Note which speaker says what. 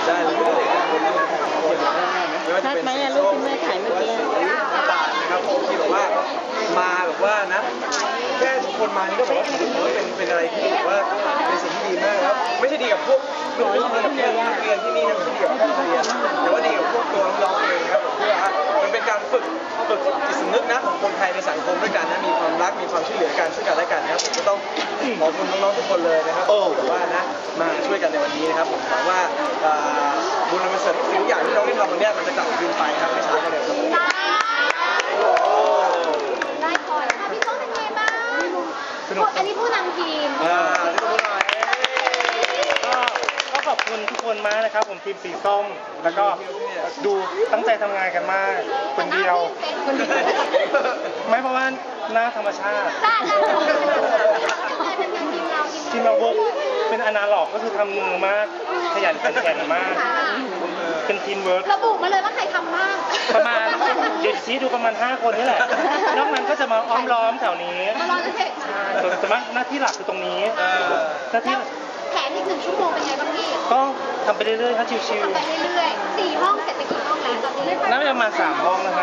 Speaker 1: ได้เลยไม่ว่าจะเป็นสีส้มหรือว่าสีน้ำตาลนะครับผมที่แบบว่ามาแบบว่านะแค่ทุกคนมานี่ก็บอกว่าเป็นอะไรที่แบบว่าเป็นสิ่งที่ดีมากแล้วไม่ใช่ดีกับพวกน้อยกับเพื่อนเรียนที่นี่นะไม่ใช่ดีกับแค่โรงเรียนแต่ว่าดีกับพวกตัวน้องๆเองครับผมเพื่อมันเป็นการฝึกจิตสำนึกนะของคนไทยในสังคมด้วยกันนะมีความรักมีความช่วยเหลือกันซึ่งกันและกันครับผมก็ต้องขอบคุณน้องๆทุกคนเลยนะครับที่แบบว่านะมาช่วยกันในวันนี้นะครับผมหวังว่าบุญกุศลทุกอย่างที่น้องได้ทำวันนี้มันจะกลับคืนไปครับไม่ช้าก็เร็วครับ
Speaker 2: ได้พอแล้วพี่โต้เป็นไงบ้างสนุกอันนี้ผู้นำทีม
Speaker 3: ก็ขอบคุณทุกคนมากนะครับผมทีมสีส้มแล้วก็ดูตั้งใจทำงานกันมากคนเดียวไม่เพราะว่าหน้าธรรมชาติทีมเราเวิร์กเป็นอนาล็อกก็คือทำมือมากขยันขันแข็งมากเป็นทีมเวิร์ก
Speaker 2: ระบุมาเลยว่าใครทำบ้าง
Speaker 3: ประมาณเดี๋ยวชี้ดูประมาณ5 คนนี่แหละนอกนั้นก็จะมาอ้อมล้อมแถวนี้ใช่แต่ว่าหน้าที่หลักคือตรงนี้หน้าที่
Speaker 2: แผนอีก1 ชั่วโมงเป็นไงบ้างพี่
Speaker 3: ก็ทำไปเรื่อยๆถ้าชิวๆ
Speaker 2: ทำไปเรื่อยๆ4 ห้องเสร็จไปกี่ห้องแล้วตอนนี้
Speaker 3: น่าจะประมาณ3 ห้องนะ